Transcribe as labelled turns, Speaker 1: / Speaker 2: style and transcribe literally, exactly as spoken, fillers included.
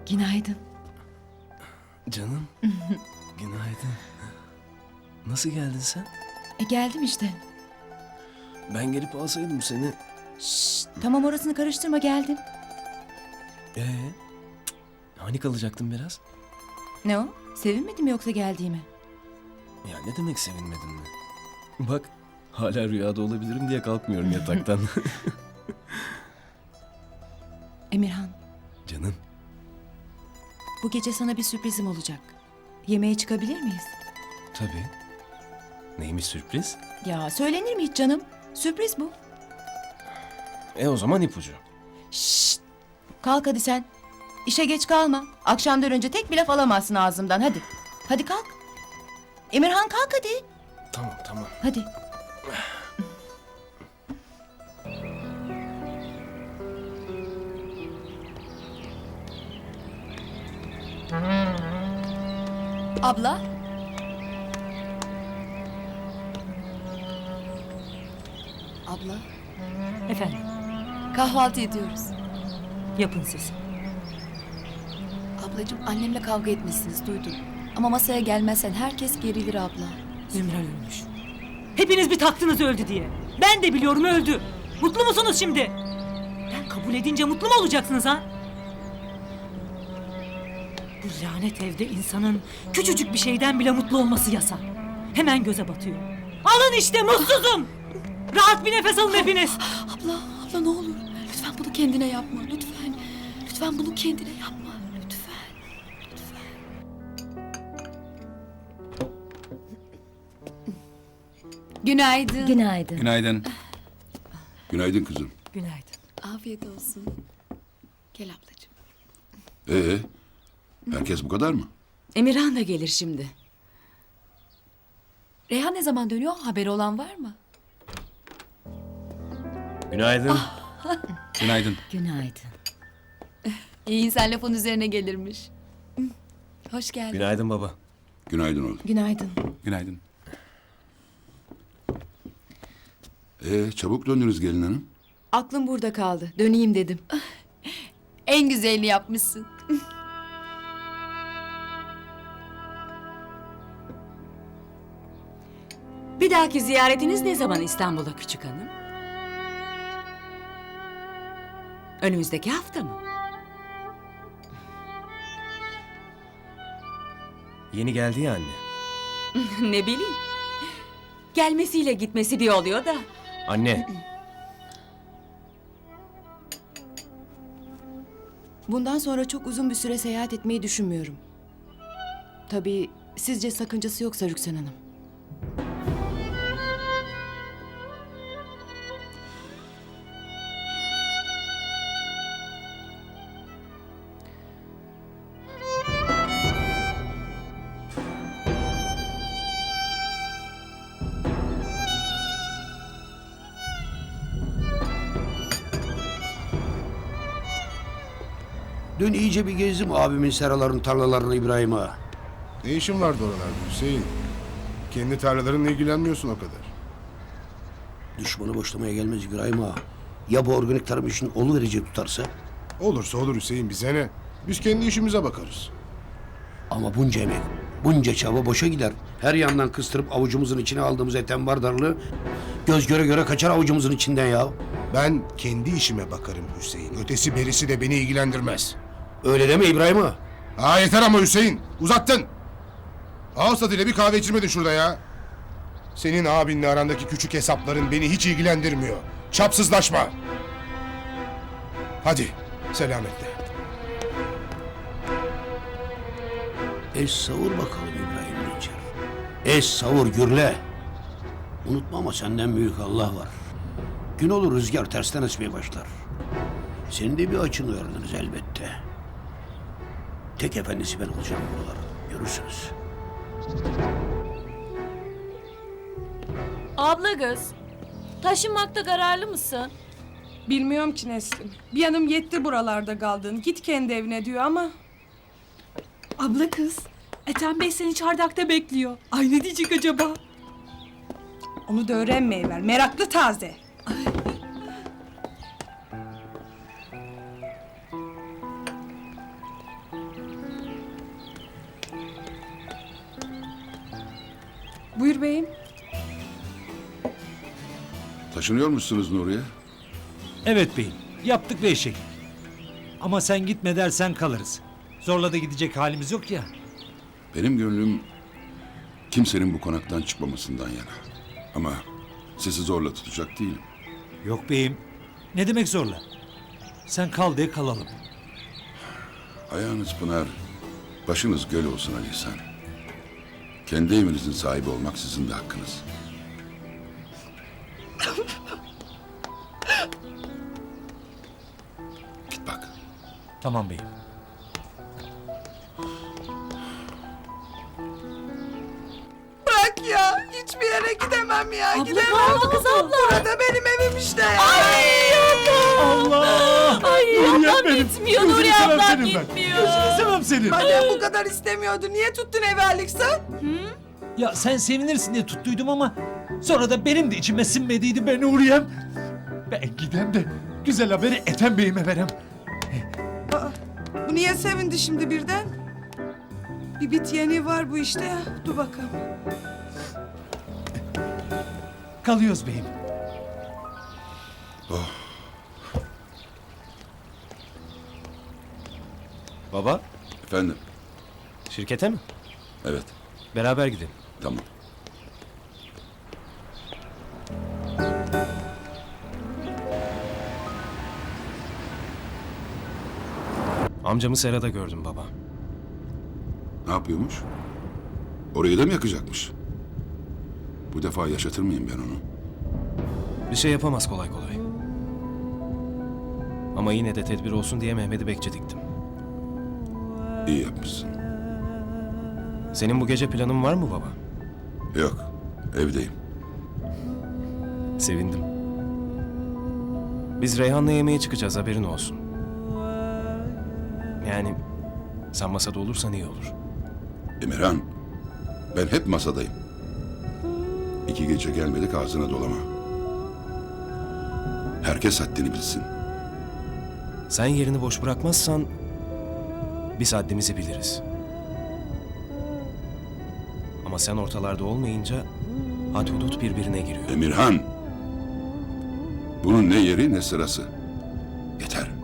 Speaker 1: Günaydın.
Speaker 2: Canım. Günaydın. Nasıl geldin sen?
Speaker 1: E geldim işte.
Speaker 2: Ben gelip alsaydım seni.
Speaker 1: Şşt, tamam orasını karıştırma geldim.
Speaker 2: Ee, hani kalacaktın biraz?
Speaker 1: Ne o? Sevinmedin mi yoksa geldiğime?
Speaker 2: Ya ne demek sevinmedin mi? Bak hala rüyada olabilirim diye kalkmıyorum yataktan.
Speaker 1: Emirhan,
Speaker 2: Canım.
Speaker 1: bu gece sana bir sürprizim olacak. Yemeğe çıkabilir miyiz?
Speaker 2: Tabii. Neymiş sürpriz?
Speaker 1: Ya söylenir mi hiç canım? Sürpriz bu.
Speaker 2: E o zaman ipucu.
Speaker 1: Şşt! Kalk hadi sen. İşe geç kalma. Akşamdan önce tek bir laf alamazsın ağzımdan hadi. Hadi kalk. Emirhan kalk hadi.
Speaker 2: Tamam tamam.
Speaker 1: Hadi. Abla. Abla.
Speaker 3: Efendim,
Speaker 1: Kahvaltı ediyoruz.
Speaker 3: yapın siz.
Speaker 1: Ablacığım annemle kavga etmişsiniz duydum. Ama masaya gelmezsen herkes gerilir abla.
Speaker 3: Ümran ölmüş. Hepiniz bir taktınız öldü diye. Ben de biliyorum öldü. Mutlu musunuz şimdi? Ben kabul edince mutlu mu olacaksınız ha? Bu lanet evde insanın küçücük bir şeyden bile mutlu olması yasak. Hemen göze batıyor. Alın işte mutsuzum. Rahat bir nefes alın hepiniz.
Speaker 4: Abla, abla ne olur. Lütfen bunu kendine yapma. Lütfen. Lütfen bunu kendine yapma. Lütfen. Günaydın.
Speaker 1: Günaydın.
Speaker 5: Günaydın. Günaydın kızım.
Speaker 3: Günaydın.
Speaker 4: Afiyet olsun. Gel ablacığım.
Speaker 5: Ee, herkes bu kadar mı?
Speaker 4: Emirhan da gelir şimdi. Reyhan ne zaman dönüyor? Haberi olan var mı?
Speaker 2: Günaydın.
Speaker 5: Günaydın.
Speaker 1: Günaydın.
Speaker 4: İyi insan lafın üzerine gelirmiş. Hoş geldin.
Speaker 2: Günaydın baba.
Speaker 5: Günaydın oğlum.
Speaker 1: Günaydın.
Speaker 5: Günaydın. Ee, çabuk döndünüz gelin hanım.
Speaker 1: Aklım burada kaldı. Döneyim dedim.
Speaker 4: En güzelini yapmışsın.
Speaker 6: Bir dahaki ziyaretiniz ne zaman İstanbul'a küçük hanım? Önümüzdeki hafta mı?
Speaker 2: Yeni geldi ya anne.
Speaker 6: Ne bileyim. Gelmesiyle gitmesi bir oluyor da.
Speaker 2: Anne.
Speaker 1: Bundan sonra çok uzun bir süre seyahat etmeyi düşünmüyorum. Tabii sizce sakıncası yoksa Rüksan Hanım.
Speaker 7: Dün iyice bir gezdim abimin seraların tarlalarını İbrahim Ağa.
Speaker 8: Ne işin vardı oralarda Hüseyin? Kendi tarlalarınla ilgilenmiyorsun o kadar.
Speaker 7: Düşmanı boşlamaya gelmez İbrahim Ağa. Ya bu organik tarım işini oluverecek tutarsa?
Speaker 8: Olursa olur Hüseyin, bize ne? Biz kendi işimize bakarız.
Speaker 7: Ama bunca emek, bunca çaba boşa gider. Her yandan kıstırıp avucumuzun içine aldığımız eten bardarlığı göz göre göre kaçar avucumuzun içinden ya.
Speaker 8: Ben kendi işime bakarım Hüseyin. Ötesi berisi de beni ilgilendirmez.
Speaker 7: Öyle deme İbrahim Ağa.
Speaker 8: Aa yeter ama Hüseyin, uzattın. Ağız tadıyla bir kahve içirmedin şurada ya. Senin abinle arandaki küçük hesapların beni hiç ilgilendirmiyor. Çapsızlaşma. Hadi, selametle.
Speaker 7: Es savur bakalım İbrahim Dinçer. Es savur gürle. Unutma ama senden büyük Allah var. Gün olur rüzgar tersten esmeye başlar. Senin de bir açını öğreniriz elbette. Tek efendisi ben olacağım buralar. Görürsünüz.
Speaker 4: Abla kız, taşınmakta kararlı mısın?
Speaker 9: Bilmiyorum ki Nesrin. Bir yanım yetti buralarda kaldın. Git kendi evine diyor ama...
Speaker 3: Abla kız, Ethem Bey seni çardakta bekliyor. Ay ne diyecek acaba?
Speaker 9: Onu da öğrenmeyi ver. Meraklı taze.
Speaker 5: Taşınıyor musunuz Nuriye?
Speaker 10: Evet beyim. Yaptık ve eşek. Ama sen gitme dersen kalırız. Zorla da gidecek halimiz yok ya.
Speaker 5: Benim gönlüm kimsenin bu konaktan çıkmamasından yana. Ama sizi zorla tutacak değilim.
Speaker 10: Yok beyim. Ne demek zorla? Sen kal de kalalım.
Speaker 5: Ayağınız pınar, başınız göl olsun Ali İhsan. Kendi evinizin sahibi olmak sizin de hakkınız. Git bak.
Speaker 10: Tamam beyim.
Speaker 9: Bırak ya. Hiçbir yere gidemem ya.
Speaker 3: Abla
Speaker 9: gidemem.
Speaker 3: ne oldu kız abla?
Speaker 9: Burada benim evim işte ya.
Speaker 10: Allah!
Speaker 6: Ay ablam gitmiyor Nuri ablam
Speaker 10: ben.
Speaker 6: gitmiyor.
Speaker 10: Gözünü seveyim senin.
Speaker 9: Madem bu kadar istemiyordu niye tuttun evvellik sen?
Speaker 10: Ya sen sevinirsin diye tuttuydum ama sonra da benim de içime sinmediydi ben Nuriyem. Ben gidem de güzel haberi Ethem Bey'ime verem.
Speaker 9: Bu niye sevindi şimdi birden? Bir bit yeni var bu işte ya. Dur bakalım.
Speaker 10: Kalıyoruz beyim.
Speaker 2: Baba,
Speaker 5: Efendim,
Speaker 2: şirkete mi?
Speaker 5: evet,
Speaker 2: Beraber gidelim.
Speaker 5: tamam.
Speaker 2: Amcamı serada gördüm baba.
Speaker 5: Ne yapıyormuş? Orayı da mı yakacakmış? Bu defa yaşatır mıyım ben onu?
Speaker 2: Bir şey yapamaz kolay kolay. Ama yine de tedbir olsun diye Mehmet'i bekçi diktim.
Speaker 5: İyi yapmışsın.
Speaker 2: Senin bu gece planın var mı baba?
Speaker 5: Yok, evdeyim.
Speaker 2: Sevindim. Biz Reyhan'la yemeğe çıkacağız, haberin olsun. Yani sen masada olursan iyi olur.
Speaker 5: Emirhan, ben hep masadayım. İki gece gelmedik ağzına dolama. Herkes haddini bilsin.
Speaker 2: Sen yerini boş bırakmazsan biz haddimizi biliriz. Ama sen ortalarda olmayınca had hudut birbirine giriyor.
Speaker 5: Emirhan, bunun ne yeri ne sırası. Yeter.